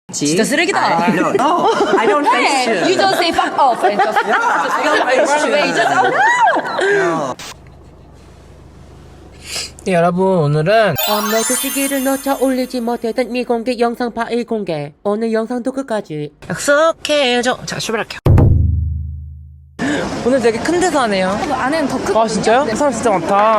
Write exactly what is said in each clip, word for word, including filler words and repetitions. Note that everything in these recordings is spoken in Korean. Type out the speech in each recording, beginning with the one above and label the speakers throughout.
Speaker 1: 진짜 쓰레기다.
Speaker 2: I, no, no, I don't think so.
Speaker 1: You just say fuck off and just
Speaker 2: No, I don't think
Speaker 1: run
Speaker 2: so.
Speaker 1: away. You just oh no.
Speaker 2: No.
Speaker 3: 네, 여러분 오늘은
Speaker 4: 업로드 시기를 놓쳐 올리지 못했던 미공개 영상 파일 공개. 오늘 영상도 끝까지
Speaker 3: 약속해줘. 자, 출발할게요. 오늘 되게 큰 데서 하네요.
Speaker 1: 안에는 더 크고.
Speaker 3: 아, 진짜요? 사람 진짜 많다.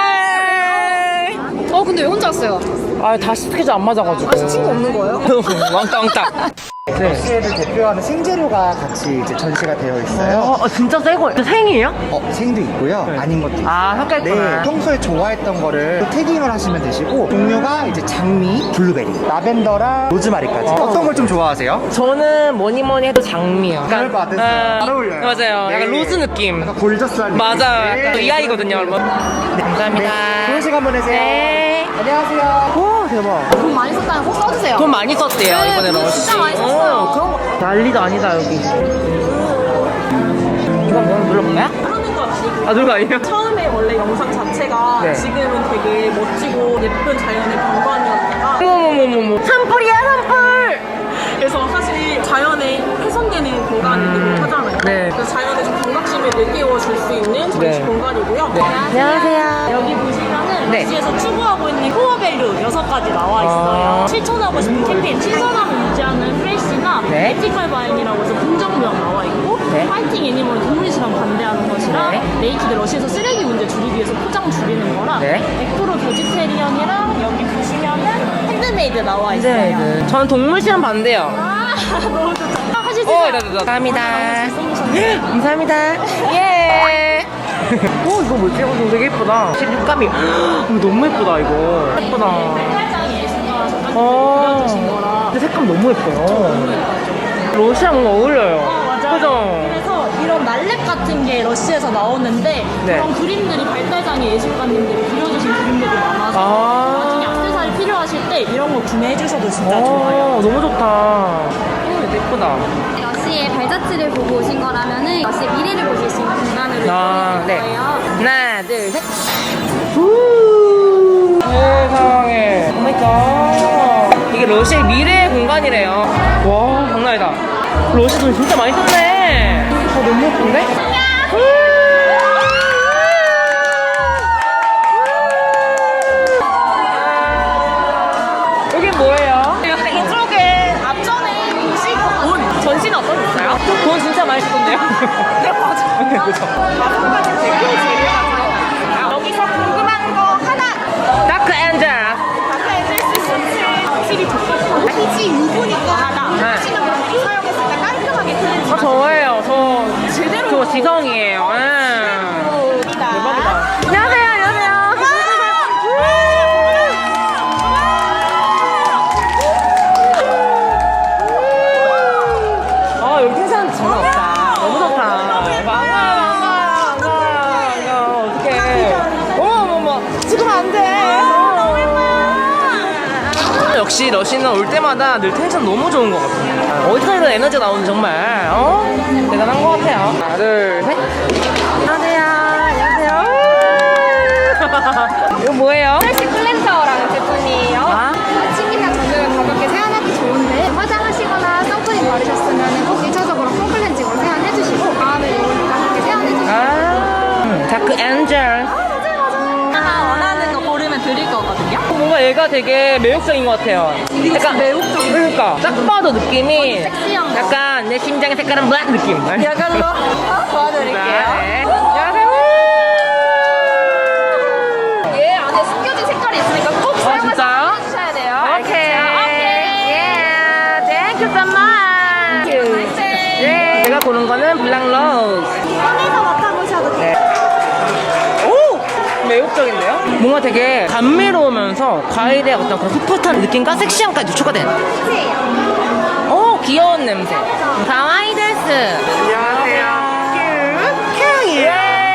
Speaker 1: 어 근데 왜 혼자 왔어요?
Speaker 3: 아, 다시 스케줄 안 맞아가지고.
Speaker 1: 아 친구 없는 거예요?
Speaker 3: 왕따 왕따. 네.
Speaker 5: 러시아를 대표하는 생재료가 같이 이제 전시가 되어 있어요.
Speaker 3: 어, 진짜 새거. 생이에요?
Speaker 5: 어, 생도 있고요. 아닌 것도 있어요.
Speaker 3: 아, 섞여
Speaker 5: 네,
Speaker 3: 있구나.
Speaker 5: 평소에 좋아했던 거를 태깅을 하시면 되시고 종류가 이제 장미, 블루베리, 라벤더랑 로즈마리까지. 어. 떤 걸 좀 좋아하세요?
Speaker 3: 저는 뭐니 뭐니 해도 장미요.
Speaker 5: 그럴 것 같았어요.
Speaker 3: 아,
Speaker 5: 잘 어울려요.
Speaker 3: 맞아요. 약간
Speaker 5: 네.
Speaker 3: 로즈 느낌.
Speaker 5: 약간 골저스한 느낌.
Speaker 3: 맞아요.
Speaker 5: 네.
Speaker 3: 약간 이 아이거든요, 여러분. 네, 감사합니다.
Speaker 5: 좋은 시간 보내세요.
Speaker 3: 네.
Speaker 5: 안녕하세요.
Speaker 3: 오, 대박.
Speaker 1: 돈 많이 썼다면 꼭 써주세요.
Speaker 3: 돈 많이 썼대요,
Speaker 1: 네,
Speaker 3: 이번에
Speaker 1: 돈
Speaker 3: 러시.
Speaker 1: 진짜 많이 썼어요.
Speaker 3: 어, 그런 거. 난리도 아니다, 여기. 이거 뭐 눌러볼까요?
Speaker 6: 하는 건 아니고
Speaker 3: 아, 누가 아니에요?
Speaker 6: 처음에 원래 영상 자체가
Speaker 3: 네.
Speaker 6: 지금은 되게 멋지고 예쁜 자연의 경관이었다가
Speaker 3: 어머머머머. 산불이야, 산불!
Speaker 6: 그래서 사실 자연에 훼손되는 공간이기도 하잖아요.
Speaker 3: 네.
Speaker 6: 그래서 자연의 좀 경각심을 일깨워줄 수 있는 전시
Speaker 3: 네.
Speaker 6: 공간이고요.
Speaker 3: 안녕하세요.
Speaker 6: 여기 보시면은
Speaker 3: 네.
Speaker 6: 러시에서 추구하고 있는 코어 밸류 여섯 가지 나와 있어요.
Speaker 3: 아.
Speaker 6: 실천하고 싶은 캠페인 신선함을 유지하는 프레시나
Speaker 3: 네.
Speaker 6: 에티컬 바잉이라고 해서 긍정명 나와 있고
Speaker 3: 네.
Speaker 6: 파이팅 애니멀 동물 실험 반대하는 것이랑
Speaker 3: 네.
Speaker 6: 네이키드 러시에서 쓰레기 문제 줄이기 위해서 포장 줄이는 거랑
Speaker 3: 네.
Speaker 6: 백 퍼센트 베지테리언이랑 여기 보시면은 핸드메이드 나와 있어요.
Speaker 3: 네. 저는 동물 실험 반대요.
Speaker 6: 아 너무 좋죠. 하시죠.
Speaker 3: 어, 네, 네, 네. 감사합니다. 감사합니다. 예. 오, 이거 뭐지? 어, 이거 되게 예쁘다. 색감이. 이거 너무 예쁘다, 이거. 예쁘다.
Speaker 6: 팔짱이 예술가라서
Speaker 3: 어.
Speaker 6: 그려주신 거라.
Speaker 3: 근데 색감 너무 예뻐요. 러시아 뭔가 어울려요.
Speaker 6: 어, 맞아요.
Speaker 3: 그죠?
Speaker 6: 그래서 이런 날랩 같은 게 러시아에서 나오는데
Speaker 3: 네.
Speaker 6: 그런 그림들이 발달장애 예술가님들이 그려주신 그림들이 많아서
Speaker 3: 아.
Speaker 6: 나중에 액세서리 필요하실 때 이런 거 구매해 주셔도 진짜
Speaker 3: 오,
Speaker 6: 좋아요.
Speaker 3: 너무 좋다. 오, 되게 예쁘다.
Speaker 7: 러시의 발자취를 보고 오신 거라면은 러시의 미래를 보실 수 있는 공간으로
Speaker 3: 아,
Speaker 7: 이용해
Speaker 3: 네.
Speaker 7: 드릴 거예요.
Speaker 3: 하나, 둘, 셋. 우 세상에. 오마이갓. 이게 러시아의 미래의 공간이래요. 와, 장난 아니다. 러시아 돈 진짜 많이 썼네. 아, 너무 예쁜데? 여기 뭐예요?
Speaker 6: 이쪽에 앞전에 보시고 온 전시는 어떠셨어요?
Speaker 3: 돈 진짜 많이 썼네요.
Speaker 6: 네 맞아요.
Speaker 3: 네, 그죠.
Speaker 6: 다섯 가지 대표 재료가 들어있어요. 여기서 궁금한 거 하나.
Speaker 3: 다크 엔젤.
Speaker 6: 가까이 쓸수 있는 확실히 좋고 피지 유보니까 하나.
Speaker 3: 네.
Speaker 6: 하시는 분들이 사용했을 때 깔끔하게 클렌징.
Speaker 3: 아, 저예요. 저
Speaker 6: 제대로
Speaker 3: 저 지성이에요. 예. 대박이다. 안녕하세요. 안녕하세요. 아, 여기 텐션 장난 없다. 너무 좋다. 반가워, 반가워, 반가워. 어떡해. 어머, 어머, 어머. 지금 안 돼. 너무 예뻐요. 역시 러시는 올 때마다 늘 텐션 너무 좋은 것 같아요. 어디 가든 에너지가 나오는 정말 어? 대단한 것 같아요. 하나, 둘, 셋. 안녕하세요. 안녕하세요. 이거 뭐예요?
Speaker 7: 프레시 클렌저라는 제품이에요.
Speaker 3: 아?
Speaker 7: 아침이나 저녁에 가볍게 세안하기 좋은데 화장하시거나 선크림 바르셨으면 꼭 일 차적으로 폼클렌징으로 세안해주시고 다음에 이거니까 함께 세안해주시고
Speaker 3: 아, 다크 엔젤.
Speaker 6: 하나 원하는 거 고르면 드릴 거거든요.
Speaker 3: 뭔가 얘가 되게 매혹적인 것 같아요. 약간 매혹적인. 그러니까 딱 봐도 느낌이
Speaker 7: 섹시한 거.
Speaker 3: 약간 내 심장의 색깔은 블랙 느낌.
Speaker 6: 이걸로 도와드릴게요.
Speaker 3: 네. 안녕하세요.
Speaker 7: 얘 안에 숨겨진 색깔이 있으니까 꼭
Speaker 3: 아, 진짜요?
Speaker 7: 사용해주셔야 돼요.
Speaker 3: 오케이. 예. 땡큐 so much. 네. 제가 고른 거는 블랙 로즈.
Speaker 7: 꺼내서 맡아보셔도 돼요.
Speaker 3: 오! 매혹적인데요? 뭔가 되게 감미로우면서 과일의 어떤 그런 풋풋한 느낌과 섹시함까지 추가된. 오, 귀여운 냄새. 가와이 데스. 안녕하세요. 큐.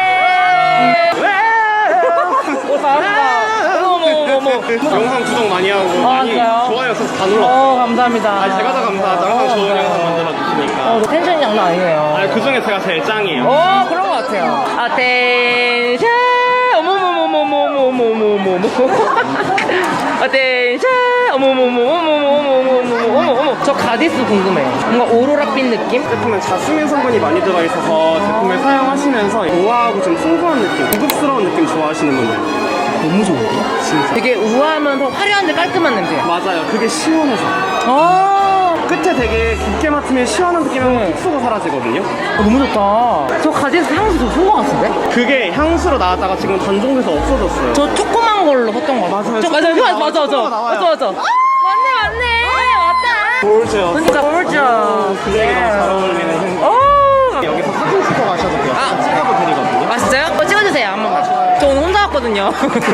Speaker 3: 오, 잘한다. 어머, 어머, 어머.
Speaker 8: 영상 구독 많이 하고
Speaker 3: 아,
Speaker 8: 많이
Speaker 3: 진짜요?
Speaker 8: 좋아요 써서 다 눌렀어요.
Speaker 3: 어, 감사합니다.
Speaker 8: 아, 제가 더 감사하죠. 항상 좋은 영상 만들어 주시니까.
Speaker 3: 어, 텐션이 장난 아니에요.
Speaker 8: 아, 그 중에 제가 제일 짱이에요.
Speaker 3: 어, 그런 것 같아요. 아텐션! 어머머머머머머머머머머. 어텐션. 어머 어머 어머 어머 어머 어머 어머 어머 어머. 저 가디스 궁금해요. 뭔가 오로라빛 느낌?
Speaker 8: 제품은 자스민 성분이 많이 들어 있어서 제품을 사용하시면서 우아하고 좀 풍부한 느낌, 고급스러운 느낌 좋아하시는 분들.
Speaker 3: 너무 좋은데? 진짜. 되게 우아하면서 화려한데 깔끔한 냄새.
Speaker 8: 맞아요. 그게 시원해서.
Speaker 3: 아.
Speaker 8: 끝에 되게 깊게 맡으면 시원한 느낌이 훅 쏘고 사라지거든요.
Speaker 3: 어, 너무 좋다. 저 가디스 향수 저 좋은 것 같은데?
Speaker 8: 그게 향수로 나왔다가 지금 단종돼서 없어졌어요.
Speaker 3: 저 조그만 걸로 샀던 거 같아요.
Speaker 8: 맞아요.
Speaker 3: 저, 맞아요.
Speaker 8: 조그만
Speaker 3: 맞아, 맞아, 맞아.
Speaker 8: 나와요.
Speaker 3: 맞아, 맞아. 맞네, 맞네. 맞다.
Speaker 8: 볼죠.
Speaker 3: 그러니까 gorgeous.
Speaker 8: 굉장히 너무 잘 어울리는 향.
Speaker 3: 오.
Speaker 8: 여기서 사진 찍어 가셔도 돼요.
Speaker 3: 아.
Speaker 8: 찍어도 드리거든요.
Speaker 3: 아, 진짜요? 어, 찍어주세요, 한 번만. 저 오늘 혼자 왔거든요.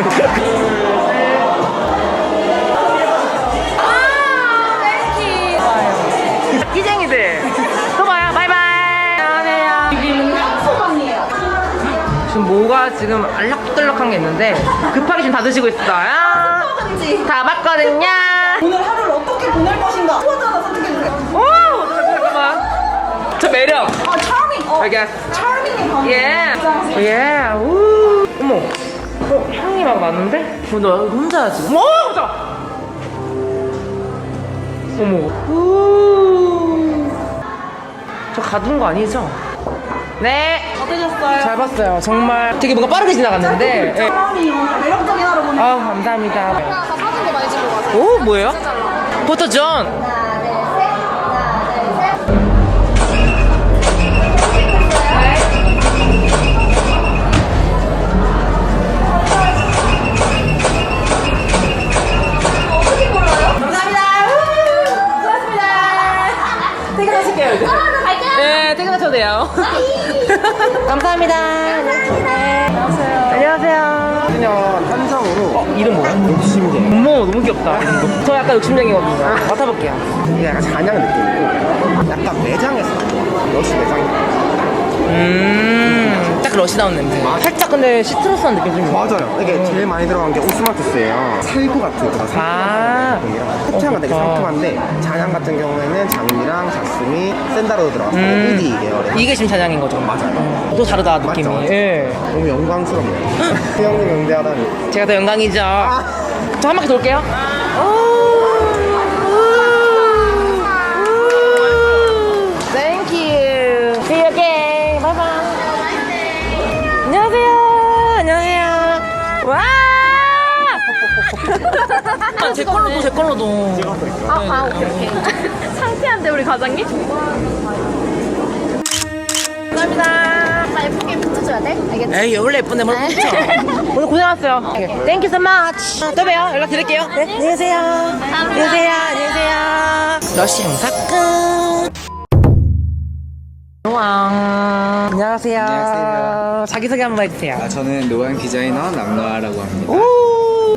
Speaker 3: 끼쟁이들. 또 봐요. 바이바이. 안녕하세요. 지금 뭐가 지금 알락달락한 게 있는데 급하게 지금 다 드시고 있어요. 다 봤거든요.
Speaker 6: 오늘 하루를 어떻게 보낼 것인가? 포즈 하나 선택해주세요.
Speaker 3: 오! 잠깐만. 저 매력.
Speaker 6: 아, charming. 어,
Speaker 3: I guess.
Speaker 6: charming이 방금.
Speaker 3: 예. 예. 우. 어머. 어, 향이 막 나는데? 어, 너 혼자야 지금? 어, 보자. 어머. 우. 저 가둔 거 아니죠? 네.
Speaker 6: 어떠셨어요?
Speaker 3: 잘 봤어요. 정말 되게 뭔가 빠르게 지나갔는데. 예.
Speaker 6: charming. 어, 매력적인 하루 보내.
Speaker 3: 아, 감사합니다.
Speaker 1: 나 사진도 많이 찍고 가세요.
Speaker 3: 오, 뭐예요? 포토존. 네, 퇴근하셔도 돼요. 감사합니다. 안녕하세요. 안녕하세요.
Speaker 5: 그냥 한정으로
Speaker 3: 어, 이름 뭐야?
Speaker 5: 욕심쟁이.
Speaker 3: 어머, 너무 귀엽다. 저 약간 욕심쟁이거든요. 맡아볼게요.
Speaker 5: 이게 약간 잔향 느낌이고 약간 매장에서 러시 매장.
Speaker 3: 음, 딱 러시다운 냄새. 살짝 근데 시트러스한 느낌 좀.
Speaker 5: 맞아요. 이게 제일 많이 들어간 게 오스마투스예요. 살구 같은 그런
Speaker 3: 아.
Speaker 5: 살구이랑 후향은 되게
Speaker 3: 좋다.
Speaker 5: 상큼한데 잔향 같은 경우에는 장미랑 자스미, 샌다로 들어가서
Speaker 3: 음.
Speaker 5: 우디 계열의
Speaker 3: 이게 지금 잔향인 거죠?
Speaker 5: 맞아요.
Speaker 3: 또 다르다, 느낌이.
Speaker 5: 맞죠?
Speaker 3: 예.
Speaker 5: 너무 영광스럽네요. 수영님 응대하다니.
Speaker 3: 제가 더 영광이죠. 저 한 바퀴 돌게요. Thank you. See you again. Bye bye. 안녕하세요. 안녕하세요. 와! 아, 제 걸로도 제 걸로도.
Speaker 1: 아, 아, 오케이, 오케이. 상쾌한데, 우리 과장님?
Speaker 3: 감사합니다.
Speaker 1: 나 예쁘게 붙여줘야 돼? 알겠지?
Speaker 3: 에이, 원래 예쁜데 뭘 붙여. 오늘 고생하셨어요. Thank you so much. 또 봬요. 연락 드릴게요. 네, 안녕히 계세요. 안녕하세요. 안녕하세요. 러시 행사 끝. 노왕. 안녕하세요.
Speaker 9: 안녕하세요.
Speaker 3: 자기소개 한번 해주세요.
Speaker 9: 아, 저는 노안 디자이너 남노아라고 합니다.
Speaker 3: 오.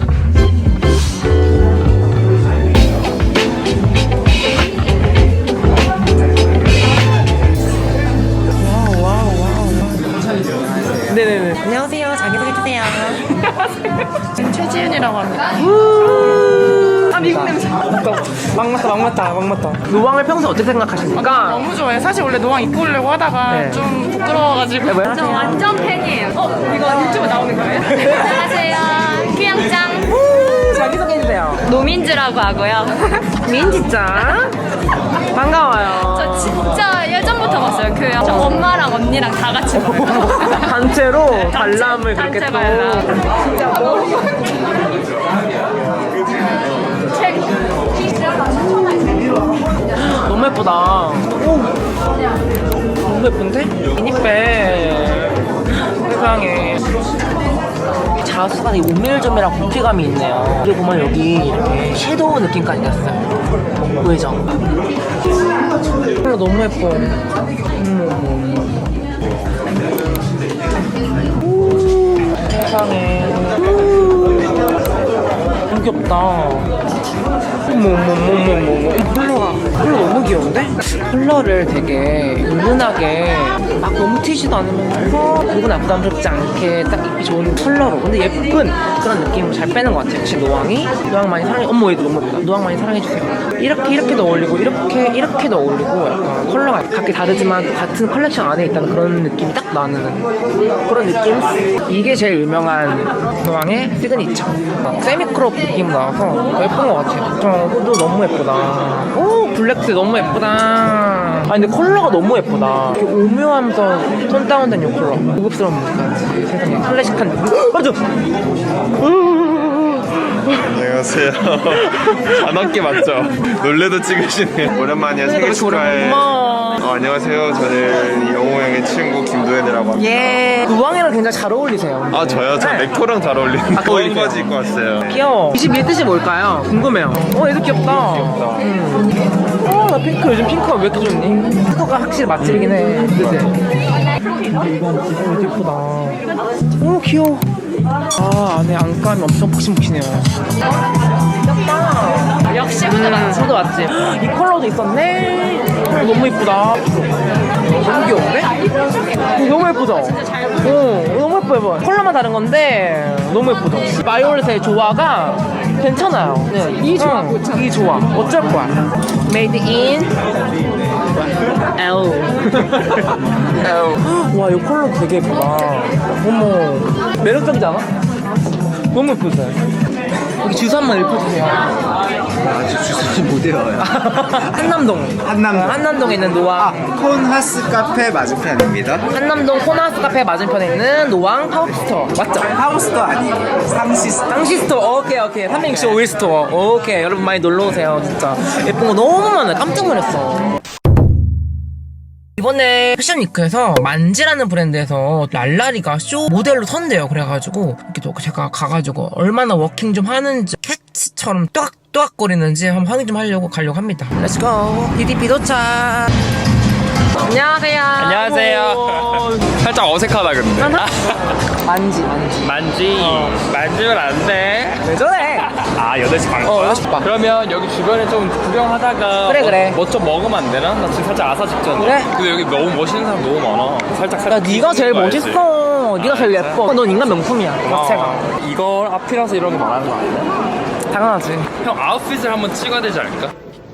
Speaker 3: 와우, 와우, 와우. 네네네. 안녕하세요. 자기소개해주세요.
Speaker 1: 최지윤이라고 합니다.
Speaker 3: 아, 미국 냄새. 막 맞다, 막 맞다, 막 맞다. 노왕을 평소에 어떻게 생각하십니까?
Speaker 6: 너무 좋아요. 사실 원래 노왕 입고 오려고 하다가
Speaker 3: 네.
Speaker 6: 좀 부끄러워가지고.
Speaker 3: 네, 뭐요?
Speaker 1: 저 완전 팬이에요. 어,
Speaker 6: 이거 유튜브 나오는 거예요?
Speaker 1: 안녕하세요. 귀양짱.
Speaker 3: 자기소개해주세요.
Speaker 1: 노민즈라고 하고요.
Speaker 3: 민지짱. 반가워요.
Speaker 1: 저 진짜 예전부터 봤어요. 그 저 엄마랑 언니랑 다 같이 봐요.
Speaker 3: 단체로 관람을 그렇게
Speaker 1: 단체
Speaker 3: 또.
Speaker 1: 관람.
Speaker 3: 진짜 뭐. 너무 예쁘다. 오. 너무 예쁜데? 미니백. 세상에. 자수가 되게 오밀조밀한 고피감이 있네요. 여기 보면 여기 이렇게 섀도우 느낌까지 났어요. 보이죠? 컬러 너무 예뻐요. 음. 세상에. 너무 귀엽다. 어머 어머 어머 어머 컬러가 컬러 너무 귀여운데? 컬러를 되게 은은하게 막 너무 튀지도 않으면서 누구나 부담스럽지 않게 딱 입기 좋은 컬러로 근데 예쁜 그런 느낌을 잘 빼는 것 같아요. 역시 노왕이 노왕 많이 사랑해. 어머 얘도 너무 예쁘다. 노왕 많이 사랑해주세요. 이렇게 이렇게도 어울리고 이렇게 이렇게도 어울리고 약간 컬러가 각기 다르지만 같은 컬렉션 안에 있다는 그런 느낌이 딱 나는 그런 느낌? 이게 제일 유명한 노왕의 시그니처. 세미크롭 느낌 나와서 예쁜 것 같아요. 저 후드 너무 예쁘다. 오 블랙스 너무 예쁘다. 아 근데 컬러가 너무 예쁘다. 이렇게 오묘하면서 톤 다운된 요 컬러. 고급스러운 무드까지 세상에 클래식한 느낌. 맞아.
Speaker 10: 안녕하세요. 단어깨 맞죠? 놀래도 찍으시네. 오랜만이야. 생일 축하해. 어, 안녕하세요. 저는 영호 형의 친구 김도현이라고 합니다.
Speaker 3: 예. 노왕이랑 굉장히 잘 어울리세요.
Speaker 10: 아 저요? 저
Speaker 3: 네.
Speaker 10: 렉토랑 잘 어울리는
Speaker 3: 아,
Speaker 10: 거인 바지 입고 왔어요.
Speaker 3: 귀여워. 이십일 뜻이 뭘까요? 궁금해요. 어, 얘도 귀엽다.
Speaker 10: 귀엽다.
Speaker 3: 음. 어, 나 핑크. 요즘 핑크가 왜 이렇게 좋니? 핑크가 확실히 맛집이긴 해. 그치? 이거 진짜 예쁘다. 오, 귀여워. 아, 안에 안감이 엄청 푹신푹신해요. 귀엽다.
Speaker 1: 역시 후드 맞지?
Speaker 3: 후드 맞지? 이 컬러도 있었네. 컬러 너무 예쁘다. 너무 귀여운데? 어, 너무 예쁘죠? 어, 너무 예뻐, 예뻐. 컬러만 다른 건데 너무 예쁘죠? 바이올렛의 조화가 괜찮아요. 네, 이 조화, 응, 이 조화. 어쩔 거야. Made in L. L. 와, 이 컬러 되게 예쁘다. 어머, 매력적이지 않아? 너무 예쁘죠? 여기 주소 한번 읽어주세요.
Speaker 5: 아직 주소지 못 외워요.
Speaker 3: 한남동.
Speaker 5: 한남동.
Speaker 3: 어, 한남동에 있는 노왕.
Speaker 5: 아, 콘하스 카페 맞은편입니다.
Speaker 3: 한남동 코나스 카페 맞은편에 있는 노왕 팝스토어. 맞죠?
Speaker 5: 하우스도 아니고 상시스.
Speaker 3: 당시 스토어. 오케이, 오케이. 삼백육십오 일 스토어. 오케이. 여러분 많이 놀러오세요. 진짜. 예쁜 거 너무 많아요. 깜짝 놀랐어. 이번에 패션위크에서 만지라는 브랜드에서 랄라리가 쇼 모델로 선대요. 그래가지고 이렇게 또 제가 가가지고 얼마나 워킹 좀 하는지 캣처럼 또악또악거리는지 한번 확인 좀 하려고 가려고 합니다. 렛츠고. 디디피 도착. 안녕하세요.
Speaker 8: 안녕하세요. 살짝 어색하다 근데.
Speaker 3: 만지 만지
Speaker 8: 만지.
Speaker 3: 어.
Speaker 8: 만지면 안 돼.
Speaker 3: 왜 저래?
Speaker 8: 아 여덟 시 반
Speaker 3: 어,
Speaker 8: 거야?
Speaker 3: 여덟 시 반.
Speaker 8: 그러면 여기 주변에 좀 구경하다가
Speaker 3: 그래, 그래.
Speaker 8: 뭐 좀 먹으면 안 되나? 나 지금 살짝 아사 직전이야.
Speaker 3: 그래.
Speaker 8: 근데 여기 너무 멋있는 사람 너무 많아. 살짝
Speaker 3: 야
Speaker 8: 살짝.
Speaker 3: 네가 제일
Speaker 8: 봐야지.
Speaker 3: 멋있어. 네가 제일 예뻐. 넌 인간 명품이야. 자체가.
Speaker 8: 어, 이거 앞이라서 이런 거 말하는 거 아니야?
Speaker 3: 당연하지.
Speaker 8: 형 아웃핏을 한번 찍어야 되지 않을까?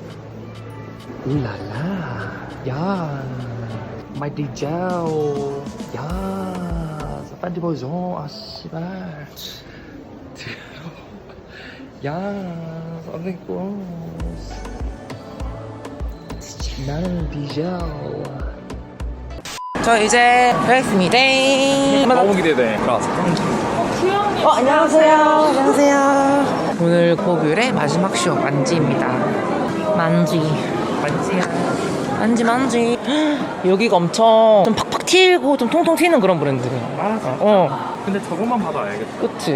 Speaker 3: 울랄라. 야. 마이 디젤. 야. 빨리 보여줘. 아 씨발. 야. 선생님. 나는 디젤. 저 이제 뵙겠습니다.
Speaker 8: 너무 기대돼. 들어가서.
Speaker 3: 어, 안녕하세요. 안녕하세요. 오늘 고귤의 마지막 쇼 만지입니다. 만지. 만지야. 만지 만지. 여기가 엄청 좀 팍팍 튀고 좀 통통 튀는 그런 브랜드래요. 맞아. 어.
Speaker 8: 근데 저것만 봐도 알겠다.
Speaker 3: 그치?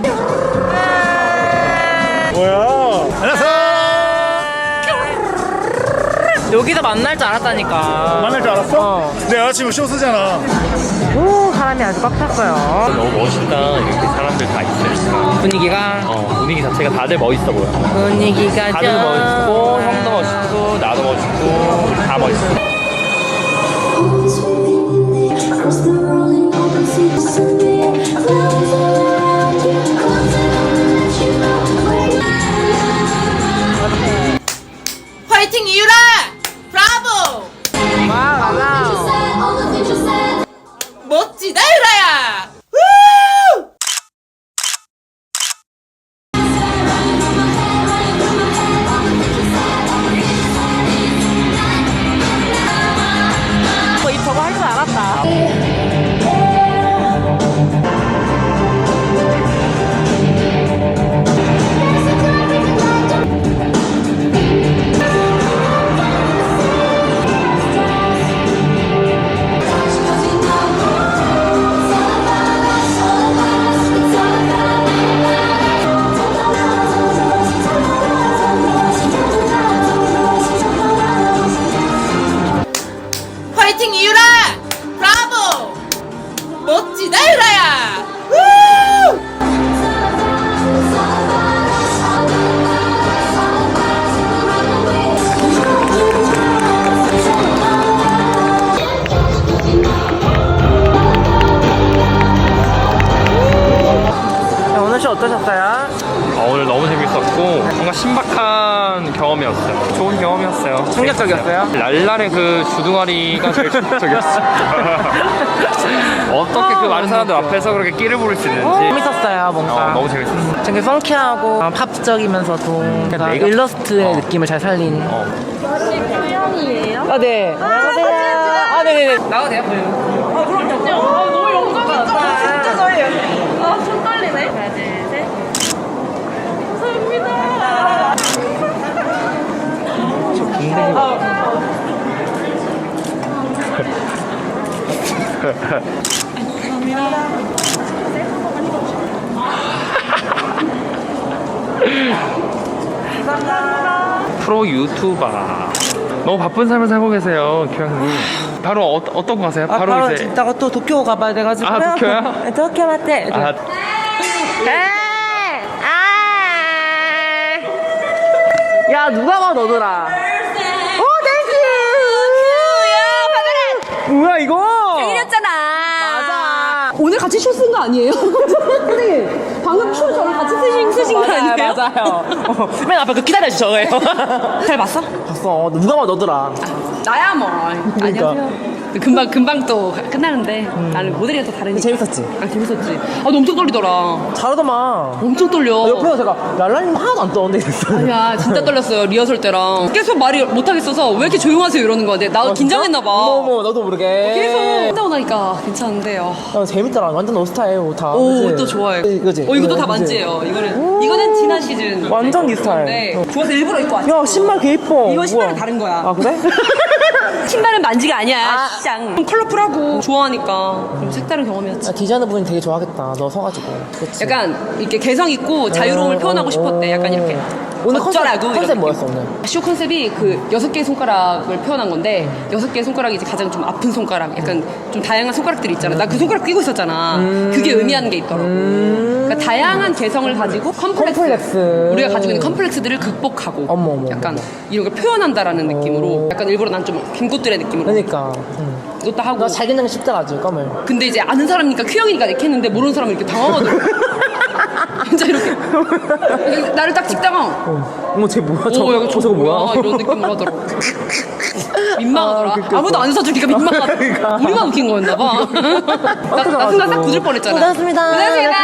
Speaker 10: 뭐야? 안녕하세요.
Speaker 3: 여기서 만날 줄 알았다니까.
Speaker 10: 만날 줄 알았어?
Speaker 3: 어.
Speaker 10: 내 여자친구 쇼 쓰잖아.
Speaker 3: 오, 사람이 아주 꽉 찼어요.
Speaker 8: 너무 멋있다. 이렇게 사람들 다 있으니까.
Speaker 3: 분위기가.
Speaker 8: 어, 분위기 자체가 다들 멋있어 보여.
Speaker 3: 분위기가
Speaker 8: 다들
Speaker 3: 좀.
Speaker 8: 멋있고, 형도 멋있고, 나도 멋있고, 우리 다 멋있어.
Speaker 11: Across the rolling open sea to Sevilla, flowers all around you, clouds that only let you know where you
Speaker 6: 화이팅 이유라! 브라보!
Speaker 3: 와, 맞아.
Speaker 11: said, all the things you said.
Speaker 6: 멋지다 유라야!
Speaker 3: 어, 이 저거 할 줄 알았다. 오늘 너무 재밌었고 뭔가 신박한 경험이었어요. 좋은 경험이었어요.
Speaker 5: 충격적이었어요?
Speaker 3: 랄랄의 그 주둥아리가 제일 충격적이었어요. 어떻게 그 많은 사람들 앞에서 그렇게 끼를 부릴 수 있는지
Speaker 5: 재밌었어요, 뭔가.
Speaker 3: 어, 너무 재밌었어요.
Speaker 5: 되게 펑키하고 어, 팝적이면서도 약간
Speaker 3: 메이크업?
Speaker 5: 일러스트의
Speaker 3: 어.
Speaker 5: 느낌을 잘 살린.
Speaker 3: 어.
Speaker 1: 수영이에요?
Speaker 5: 아, 네. 안녕하세요. 아, 네네네.
Speaker 3: 나가도 돼요?
Speaker 1: 아, 그럼요. 아, 너무 영광이다. 진짜 저예요. 아, 손 떨리네. 하나, 둘, 셋. 감사합니다.
Speaker 5: 저 굉장히.
Speaker 3: 프로 유튜버. 너무 바쁜 삶을 살고 계세요, 규영님. 바로 어, 어떤 거 하세요?
Speaker 5: 아,
Speaker 3: 바로,
Speaker 5: 바로
Speaker 3: 이제.
Speaker 5: 이따가 또 도쿄 가봐야 돼가지고.
Speaker 3: 아, 도쿄요?
Speaker 5: 도쿄 맞대.
Speaker 3: 아,
Speaker 5: 야, 누가 봐, 너더라. 오, 땡큐! 야, 받아라! 뭐야, 이거?
Speaker 1: 생일이었잖아.
Speaker 5: 맞아.
Speaker 1: 오늘 같이 쇼 쓴 거 아니에요? 선생님, 방금 쇼 저랑 같이 쓰신, 쓰신 거
Speaker 5: 맞아요,
Speaker 1: 아니에요?
Speaker 5: 맞아요. 어, 맨 앞에 그 기다려주 저거예요.
Speaker 1: 잘 봤어?
Speaker 5: 봤어. 누가 봐, 너더라.
Speaker 1: 나야 뭐. 안녕하세요. 금방 금방 또 끝나는데 나는 모델이랑 또 다르니까.
Speaker 5: 재밌었지?
Speaker 1: 아 재밌었지. 아 너 엄청 떨리더라.
Speaker 5: 잘하더만.
Speaker 1: 엄청 떨려.
Speaker 5: 아, 옆에서 제가 랄라님 하나도 안 떠는데 그랬어요.
Speaker 1: 아니야 진짜 떨렸어요 리허설 때랑 계속 말이 못하겠어서 왜 이렇게 조용하세요 이러는 거야. 나 긴장했나 봐.
Speaker 5: 어머, 나도 모르게.
Speaker 1: 계속 한다고 나니까 괜찮은데요.
Speaker 5: 야, 재밌더라. 완전 너 스타일, 옷 다.
Speaker 1: 오,
Speaker 5: 그치?
Speaker 1: 옷도 좋아해.
Speaker 5: 그지?
Speaker 1: 어, 이것도 다
Speaker 5: 그지?
Speaker 1: 만지예요. 이거는 이거는 지난 시즌.
Speaker 5: 완전 네 스타일.
Speaker 1: 네.
Speaker 5: 어.
Speaker 1: 좋아서 일부러 입고 왔어.
Speaker 5: 야, 신발 개 이뻐.
Speaker 1: 이건 신발은
Speaker 5: 뭐야?
Speaker 1: 다른 거야.
Speaker 5: 아, 그래?
Speaker 1: 신발은 만지가 아니야. 쌍. 컬러풀하고 좋아하니까 좀 색다른 경험이었지.
Speaker 5: 야, 디자이너 분이 되게 좋아하겠다. 너 서가지고. 그치?
Speaker 1: 약간 이렇게 개성 있고 자유로움을
Speaker 5: 어,
Speaker 1: 표현하고
Speaker 5: 어,
Speaker 1: 싶었대. 약간
Speaker 5: 어.
Speaker 1: 이렇게
Speaker 5: 오늘
Speaker 1: 어쩌라고
Speaker 5: 컨셉,
Speaker 1: 이런
Speaker 5: 컨셉
Speaker 1: 느낌.
Speaker 5: 뭐였어, 오늘?
Speaker 1: 쇼 컨셉이 그 여섯 개의 손가락을 표현한 건데 여섯 개의 손가락이 이제 가장 좀 아픈 손가락, 약간 좀 다양한 손가락들이 있잖아. 나 그 손가락 끼고 있었잖아. 그게 의미하는 게 있더라고. 그러니까 다양한 개성을 가지고 컴플렉스,
Speaker 5: 컴플렉스.
Speaker 1: 우리가 가지고 있는 컴플렉스들을 극복하고
Speaker 5: 어머, 어머,
Speaker 1: 약간
Speaker 5: 어머.
Speaker 1: 이런 걸 표현한다라는 느낌으로 약간 일부러 난 좀 김꽃들의 느낌으로
Speaker 5: 그러니까. 응.
Speaker 1: 이것도 하고.
Speaker 5: 너 잘 된다는 쉽다 가지고 껌을.
Speaker 1: 근데 이제 아는 사람이니까 큐형이니까 이렇게 했는데 모르는 사람은 이렇게 당황하더라고. 진짜 이렇게 나를 딱 찍다가
Speaker 5: 어. 어머, 쟤 뭐야?
Speaker 1: 오,
Speaker 5: 저거,
Speaker 1: 여기
Speaker 5: 저, 저거 뭐야?
Speaker 1: 이런 느낌으로 하더라고. 민망하더라.
Speaker 5: 아, 그러니까.
Speaker 1: 아무도 안 사주니까 민망하다.
Speaker 5: 그러니까.
Speaker 1: 우리만 웃긴 거였나 봐. 나, 나 순간 싹 굳을 뻔했잖아.
Speaker 5: 고생하셨습니다.
Speaker 1: 고생하셨습니다.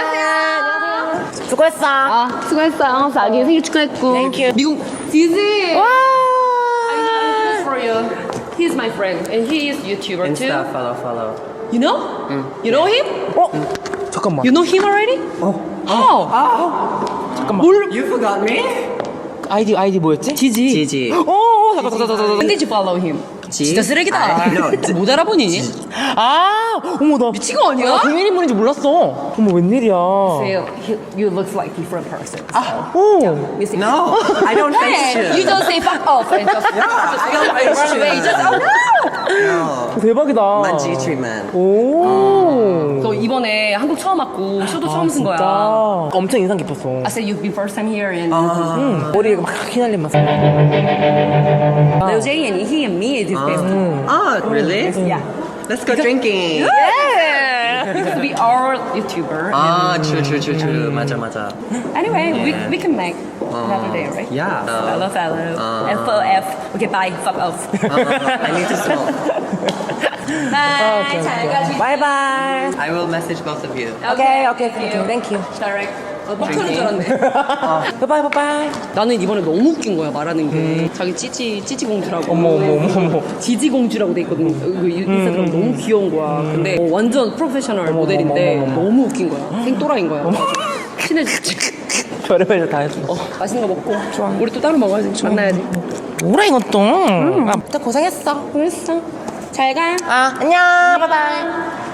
Speaker 5: 안녕하세요. 수고했어.
Speaker 1: 아, 수고했어. 자기 생일 축하했고.
Speaker 5: Thank you.
Speaker 1: 미국 디즈.
Speaker 5: 와.
Speaker 1: I know for you. He's my friend and he is YouTuber too.
Speaker 2: follow, follow.
Speaker 1: You know? You know him?
Speaker 5: 어? 잠깐만.
Speaker 1: You know him already?
Speaker 5: 어.
Speaker 1: How?
Speaker 5: 잠깐만.
Speaker 1: 뭘?
Speaker 2: You forgot me?
Speaker 5: 아이디, 아이디 뭐였지?
Speaker 1: 지지.
Speaker 2: Gigi.
Speaker 5: 어, 어, 잠깐, 잠깐, 잠깐,
Speaker 1: When did you follow him? 진짜 쓰레기다.
Speaker 2: I know.
Speaker 1: 못 알아보니?
Speaker 5: 아, 어머, 나.
Speaker 1: 미친 거 아니야?
Speaker 5: 나 동일 인물인지 몰랐어. 어머, 웬일이야.
Speaker 1: You, you look like different person.
Speaker 5: 오.
Speaker 2: No, I don't face
Speaker 1: Hey,
Speaker 2: you.
Speaker 1: you don't say fuck off and just, just
Speaker 2: don't face
Speaker 1: run away.
Speaker 2: you.
Speaker 1: Just oh no.
Speaker 2: No.
Speaker 5: 대박이다.
Speaker 2: Manji treatment.
Speaker 5: 오.
Speaker 1: 너 이번에 한국 처음 왔고 쇼도 처음 쓴 거야.
Speaker 5: 진짜. 엄청 인상 깊었어.
Speaker 1: I said you've been first time here and
Speaker 5: 응. 머리에 막 휘날리면서.
Speaker 1: Lil J and he and me is his best.
Speaker 2: Oh, really?
Speaker 1: Yeah.
Speaker 2: Let's go drinking.
Speaker 1: Yeah. He used to be our YouTuber.
Speaker 2: Ah, true, true, true, true. 맞아, 맞아.
Speaker 1: Anyway, we we can make another day, right?
Speaker 2: Yeah.
Speaker 1: Follow, follow.
Speaker 2: Uh.
Speaker 1: F O F. Okay, bye. Fuck off.
Speaker 2: Uh, I need to smoke.
Speaker 1: Bye. 잘 가지.
Speaker 5: 바이바이.
Speaker 2: I will message both of you.
Speaker 5: 오케이, 오케이, 땡큐, 땡큐.
Speaker 1: Direct. 막 터는 줄 알았네.
Speaker 5: 바이바이, 바이바이.
Speaker 1: 나는 이번에 너무 웃긴 거야 말하는 게. 자기 찌찌 찌찌 공주라고.
Speaker 5: 어머, 어머, 어머, 어머.
Speaker 1: 지지 공주라고 돼 있거든. 그 인스타그램 너무 귀여운 거야. 근데 어, 완전 프로페셔널 모델인데
Speaker 5: 어머, 어머, 어머.
Speaker 1: 너무 웃긴 거야. 생또라인 거야. 친해졌지.
Speaker 5: 별의별 다 했어.
Speaker 1: 어, 맛있는 거 먹고. 좋아. 우리 또 따로 먹어야지. 만나야지.
Speaker 5: 뭐라 이것도. 아, 진짜 고생했어.
Speaker 1: 그랬어. 잘 가.
Speaker 5: 아, 안녕. 바이바이.